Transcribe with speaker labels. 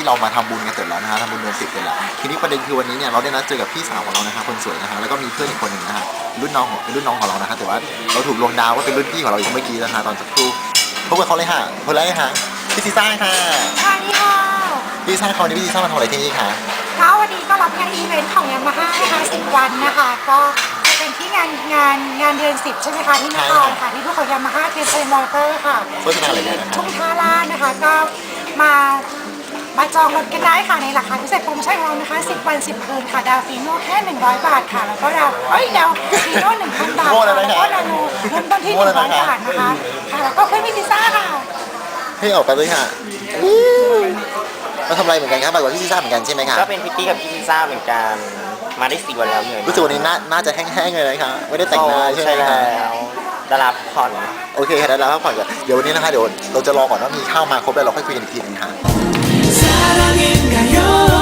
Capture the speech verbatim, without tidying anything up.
Speaker 1: เรามาทำบุญกันเสร็จแล้วนะฮะทำบุญเดือนสิบเสร็จแล้วทีนี้ประเด็นคือวันนี้เนี่ยเราได้นัดเจอกับพี่สาวของเรานะฮะคนสวยนะฮะแล้วก็มีเพื่อนอีกคนหนึ่งนะฮะรุ่นน้องของรุ่นน้องของเรานะฮะแต่ว่าเราถูกลวงดาวว่าเป็นรุ่นพี่ของเราอยู่เมื่อกี้นะฮะตอนสักครู่พบกับเขาเลยค่ะคนแรกค่ะพี่ซีซ่าค่ะ
Speaker 2: สวัสดีค่ะ
Speaker 1: พี่ซีซ่าเขาวันนี้พี่ซีซ่ามาทำอะไรที่นี่คะ
Speaker 2: ก็วันนี้ก็รับงานอีเวนต์ของยามาฮ่านะคะสิบวันนะคะ ก็จะเป็นที่งานงานงานเดือนสิบใช่ไหมคะที่นครค่ะที่ทุกคนยามาฮ่าเทสเซนมอเตอร์ค่ะ
Speaker 1: โฆษณาอะไรเนี่ยนะครับ
Speaker 2: ทุ่งท่าลาดนะคะก็มามาจองรถกันได้ค่ะในราคาพิเศษโปรโมชั่นของเรานะคะสิบวันสิบคืนค่ะดาวฟีโน่แค่หนึ่งร้อยบาทค่ะแล้วก็ดาวเอ้ยดาวฟีโน่หนึ่งพันบาทค่ะแล้วก็นาโนเริ่มต้นที่หนึ่งร้อยบาทนะคะค่ะแล้วก็เพื่อนพี่พิซซ่าค่ะ
Speaker 1: ให้ออกไปเลยค่ะมาทำอะไรเหมือนกันครับแบบว่าพี่ซีซ่าเหมือนกันใช่ไหมคะ
Speaker 3: ก็เป็นพิตตี้กับพี่พิซซ่าเหมือนกันมาได้สี่วันแล้วเหนื่อย
Speaker 1: รู้สึกวันนี้หน้าน่าจะแห้งๆเลยนะคะไม่ได้แต่งหน้าใช่ไหม
Speaker 3: ใช่
Speaker 1: คะ
Speaker 3: แล้วได้รับผ่อน
Speaker 1: โอเคค่ะได้แล้วพักผ่อนก่อนเดี๋ยววันนี้นะคะเดี๋ยวเราจะรอก่อนว่ามีข้าวมาครบแล้วเราค่อยคุยกันอีกทีนึงค่ะ